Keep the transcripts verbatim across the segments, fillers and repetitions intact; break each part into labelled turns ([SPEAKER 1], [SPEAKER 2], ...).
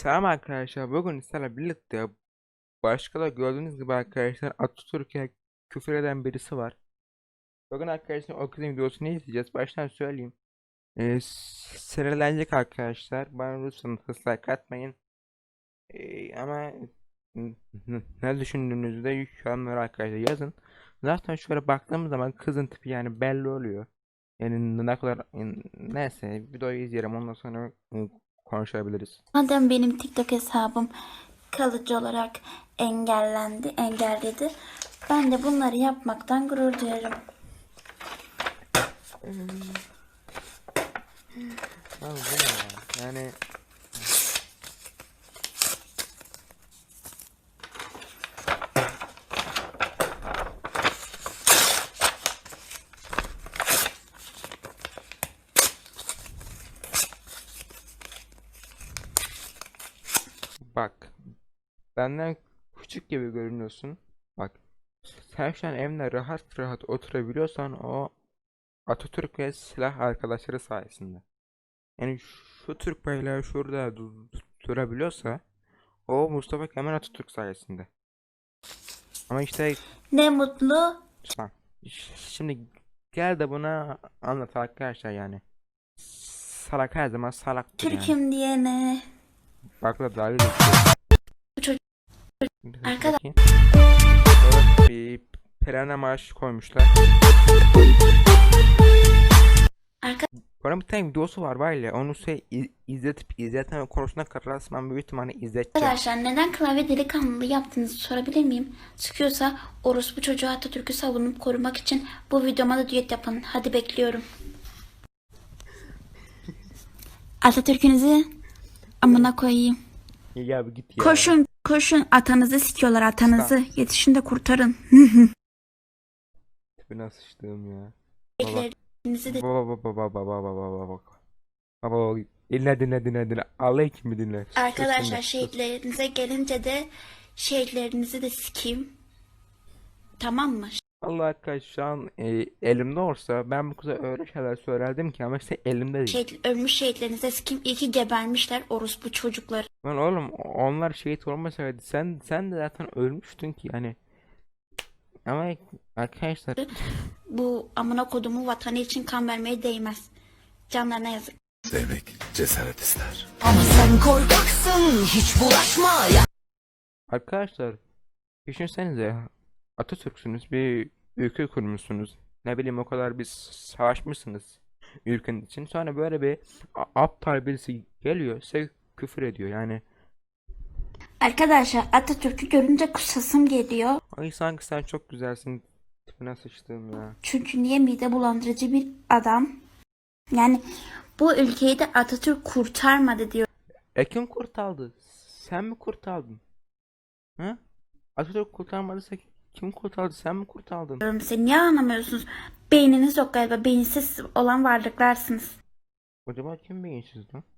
[SPEAKER 1] Selam arkadaşlar. Bugün sizlerle birlikte başka da gördüğünüz gibi arkadaşlar Atatürk'e küfür eden birisi var. Bugün arkadaşlar o kızın videosunu izleyeceğiz. Baştan söyleyeyim. Ee, sinirlenecek arkadaşlar. Bana lütfen hızla katmayın. Ee, ama n- n- ne düşündüğünüzü de yorumlara arkadaşlar yazın. Zaten şöyle baktığımız zaman kızın tipi yani belli oluyor. Yani ne kadar neyse videoyu izleyelim ondan sonra ı, konuşabiliriz.
[SPEAKER 2] Madem benim TikTok hesabım kalıcı olarak engellendi, engelledi. Ben de bunları yapmaktan gurur duyarım.
[SPEAKER 1] Abi bu ne ya? Yani bak benden küçük gibi görünüyorsun. Bak sen şu an evinde rahat rahat oturabiliyorsan o Atatürk ve silah arkadaşları sayesinde. Yani şu Türk bayrağı şurada du- durabiliyorsa o Mustafa Kemal Atatürk sayesinde. Ama işte
[SPEAKER 2] Ne mutlu
[SPEAKER 1] tamam. Ş- Şimdi gel de buna anlat arkadaşlar yani. Salak her zaman salaktır yani.
[SPEAKER 2] Türk'üm diyene.
[SPEAKER 1] Bak da dalga geçiyor.
[SPEAKER 2] Bu çocuk
[SPEAKER 1] Dur
[SPEAKER 2] arkadaş.
[SPEAKER 1] bakayım. Evet bir Perene Marş koymuşlar. Bana bir tane videosu var var ya onu şey iz- izletip izletmeme konusunda kararsam büyük ihtimalle izleteceğim.
[SPEAKER 2] Arkadaşlar neden klavye delikanlılığı yaptığınızı sorabilir miyim? Sıkıyorsa orospu çocuğu Atatürk'ü savunup korumak için bu videoma da düet yapın. Hadi bekliyorum. Atatürk'ünüzü amına koyayım.
[SPEAKER 1] Ya bir git ya.
[SPEAKER 2] Koşun koşun, atanızı sikiyorlar, atanızı.
[SPEAKER 1] Stop.
[SPEAKER 2] Yetişin de kurtarın.
[SPEAKER 1] Tipine sıçtığım ya. Baba.
[SPEAKER 2] Ellerinizi de
[SPEAKER 1] Baba baba baba baba baba baba baba. Baba dinle dinle dinle dinle. Allah kimi dinle. Sus
[SPEAKER 2] Arkadaşlar
[SPEAKER 1] dinle. Sus.
[SPEAKER 2] şehitlerinize gelince de şehitlerinizi de sikeyim. Tamam mı?
[SPEAKER 1] Allah arkadaş şu an e, elimde olsa ben bu kıza öyle şeyler söylerdim ki ama işte elimde değil.
[SPEAKER 2] Şehit, ölmüş şehitlerinize sikeyim. İyi ki gebermişler orospu çocukları.
[SPEAKER 1] Lan oğlum onlar şehit olmasaydı sen sen de zaten ölmüştün ki yani. Ama arkadaşlar
[SPEAKER 2] Bu amına kodumu vatanı için kan vermeye değmez. Canlarına yazık.
[SPEAKER 3] Sevmek cesaret ister.
[SPEAKER 4] Ama sen korkaksın, hiç bulaşma ya.
[SPEAKER 1] arkadaşlar düşünsenize Atatürk'sünüz bir ülke kurmuşsunuz. Ne bileyim o kadar bir savaşmışsınız ülkenin için. Sonra böyle bir a- aptal birisi geliyor size küfür ediyor yani.
[SPEAKER 2] Arkadaşlar Atatürk'ü görünce kusasım geliyor.
[SPEAKER 1] Ay sanki sen çok güzelsin tipine sıçtım ya.
[SPEAKER 2] Çünkü niye mide bulandırıcı bir adam. Yani bu ülkeyi de Atatürk kurtarmadı diyor.
[SPEAKER 1] E kim kurtardı? Sen mi kurtardın? Hı? Atatürk kurtarmadıysa kim kurtardı? Sen mi kurtardın?
[SPEAKER 2] Siz niye anlamıyorsunuz? Beyniniz yok galiba. Beyinsiz olan varlıklarsınız.
[SPEAKER 1] Acaba kim beyinsiz lan?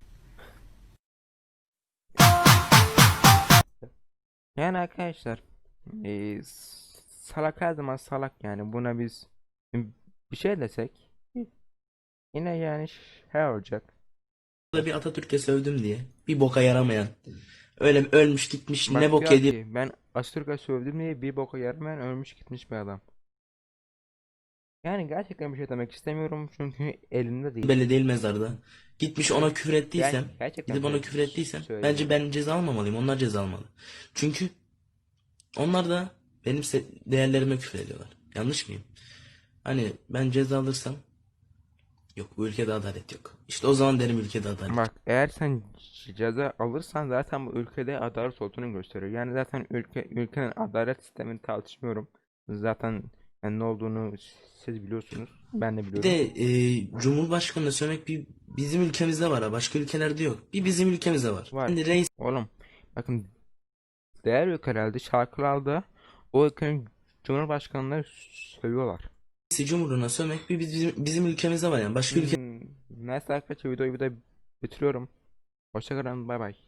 [SPEAKER 1] Yani arkadaşlar eee, salak her zaman salak yani buna biz bir şey desek yine yani şey olacak.
[SPEAKER 5] Da bir Atatürk'e sövdüm diye. Bir boka yaramayan. Öyle ölmüş gitmiş ne
[SPEAKER 1] Bak
[SPEAKER 5] bok
[SPEAKER 1] diyor
[SPEAKER 5] yedi
[SPEAKER 1] ki ben Atatürk'e sövdüm diye bir boka yaramayan ölmüş gitmiş bir adam. Yani gerçekten bir şey demek istemiyorum çünkü elimde değil.
[SPEAKER 5] belli değil mezarda. Gitmiş ona küfür
[SPEAKER 1] Ben
[SPEAKER 5] ettiysem,
[SPEAKER 1] gerçekten
[SPEAKER 5] gidip ona
[SPEAKER 1] böyle
[SPEAKER 5] küfür ettiysem
[SPEAKER 1] söylüyorum.
[SPEAKER 5] bence ben ceza almamalıyım. Onlar ceza almalı. Çünkü onlar da benim se- değerlerime küfür ediyorlar. Yanlış mıyım? Hani ben ceza alırsam yok bu ülkede adalet yok. İşte o zaman derim ülkede adalet yok.
[SPEAKER 1] Bak eğer sen ceza alırsan zaten bu ülkede adalet olduğunu gösteriyor. Yani zaten ülke ülkenin adalet sistemini tartışmıyorum. Zaten yani ne olduğunu siz biliyorsunuz. Ben de
[SPEAKER 5] Bir
[SPEAKER 1] biliyorum.
[SPEAKER 5] de e, Cumhurbaşkanı'na sövmek bir bizim ülkemizde var ha. Başka ülkelerde yok. Bir bizim ülkemizde var.
[SPEAKER 1] Var.
[SPEAKER 5] Şimdi reis
[SPEAKER 1] Oğlum bakın diğer ülkelerde şarkılarda o ülkenin cumhurbaşkanları sövüyorlar.
[SPEAKER 5] Cumhuruna sövmek bir bizim, bizim ülkemizde var yani. Başka ülke
[SPEAKER 1] Hmm, neyse arkadaşlar videoyu burada bitiriyorum. Hoşçakalın bay bay.